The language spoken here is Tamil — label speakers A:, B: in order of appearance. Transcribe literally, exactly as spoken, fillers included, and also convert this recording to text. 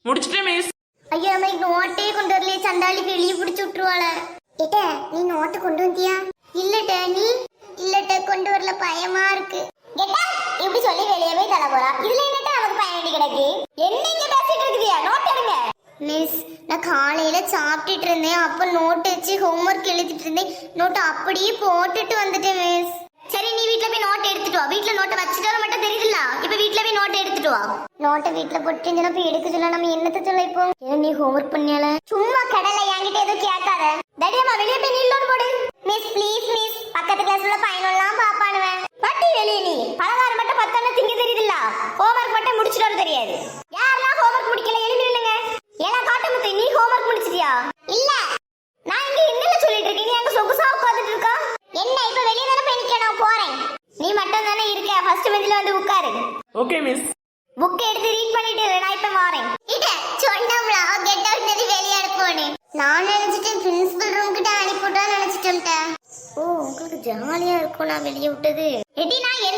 A: முடிச்சிட்டேன் மிஸ்.
B: ஐயா அம்மா நோட்டே கொண்டு வரலையே, சண்டாளிக்கு வெளியே பிடிச்சி விட்டுருவாள. ஏட்ட நீ நோட்டு கொண்டு வந்தியா? இல்லட்ட நீ? இல்லட்ட கொண்டு வரல, பயமா இருக்கு. கேட்டா இப்படி சொல்லி வெளியே போய் தர போறா. இதுல என்னட்ட நமக்கு பயம் வேண்டி கிடக்கு. என்ன இங்க பேசிட்டு இருக்குதியா? நோட் எடுங்க. மிஸ் நான் காலையில சாப்பிட்டுட்டு இருந்தேன், அப்ப நோட் வச்சு ஹோம்ஒர்க் எழுதிட்டு இருந்தேன். நோட்டு அப்படியே போட்டுட்டு வந்துட்டேன் மிஸ். சரி நீ வீட்ல போய் நோட் எடுத்துட்டு வா. வீட்ல நோட்டை வச்சுட்டு வர மட்டும் தெரியுதுல்ல, இப்ப வீட்ல போய் நோட்டை எடுத்துட்டு வா. நோட்டை வீட்ல போட்டு போய் எடுக்க சொல்ல, நம்ம என்னத்த சொல்ல இப்போ? ஏன் நீ ஹோம்ஒர்க் பண்ணியால? சும்மா கடலை என்கிட்ட எதுவும் கேட்காத. தடியம்மா வெளியே போய் நீலோடு போடு. மிஸ் ப்ளீஸ் மிஸ், பக்கத்து கிளாஸ்ல பையனெல்லாம் பாப்பானுவேன். பட்டி வெளியே நீ பலகாரம் மட்டும் பத்தான திங்க தெரியுதுல்ல, ஹோம்ஒர்க் மட்டும் முடிச்சுட்டு வர தெரியாது. யாரெல்லாம் ஹோம்ஒர்க் முடிக்கல எழுந்திருங்க. ஏன்னா காட்டுமுத்து நீ ஹோம்ஒர்க் முடிச்சிட்டியா? இல்ல நான் இங்க என்னல சொல்லிட்டு இருக்கேன், நீ அங்க சொகுசா உட்கார்ந்துட்டு இருக்கா. என்ன இப்ப வெளிய தான போய் நிக்கணும், போறேன். நீ மட்டும் தானே இருக்க, ஃபர்ஸ்ட் பெஞ்சில வந்து உட்காரு.
A: Okay miss.
B: புக் எடுத்து ரீட் பண்ணிட்டு நான் இப்ப வரேன். இத சொன்னம்ல கெட் அவுட் பண்ணி வெளிய அனுப்புறேன். நான் நினைச்சிட்டேன் பிரின்சிபல் ரூம் கிட்ட அனுப்பிட்டா நினைச்சிட்டேன். ஓ உங்களுக்கு ஜாலியா இருக்கும் நான் வெளிய விட்டது. எடி நான்